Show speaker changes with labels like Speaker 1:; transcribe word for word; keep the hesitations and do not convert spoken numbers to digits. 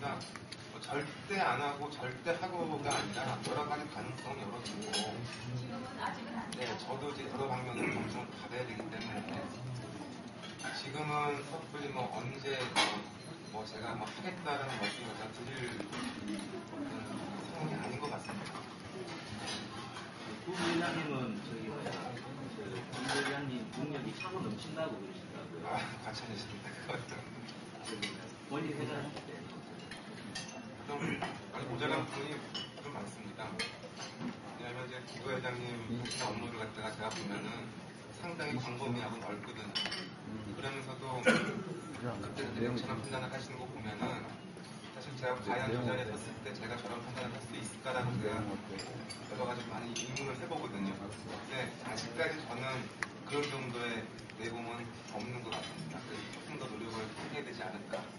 Speaker 1: 그러니까 뭐 절대 안 하고 절대 하고가 아니라 여러 가지 가능성을 열어두고
Speaker 2: 지금은 아직은 안 돼요.
Speaker 1: 네, 저도 이제 여러 방면으로 점점 받아야 되기 때문에 지금은 섣불리 뭐 언제 뭐, 뭐 제가 뭐 하겠다라는 말씀을 다 드릴 그런 상황이 아닌 것 같습니다.
Speaker 3: 부부회장님은 저기 뭐야 부부회장님 능력이 차고 넘친다고 그러시더라고요.
Speaker 1: 아, 과찬이십니다. 그것도.
Speaker 3: 본인 회장할 때.
Speaker 1: 좀 많이 모자란 부분이 좀 많습니다. 왜냐하면 이제 부부회장님 업무를 갖다가 제가 보면은 상당히 광범위하고 넓거든요. 그러면서도 그때 내용처럼 판단을 하시는 거 보면은 사실 제가 과연 저 자리에 섰을 때 제가 저런 판단을 할 수 있을까라고 제가 여러 가지 많이 의문을 해보거든요. 근데 아직까지 저는 그런 정도의 내공은 없는 것 같습니다. 그래서 조금 더 노력을 해야 되지 않을까.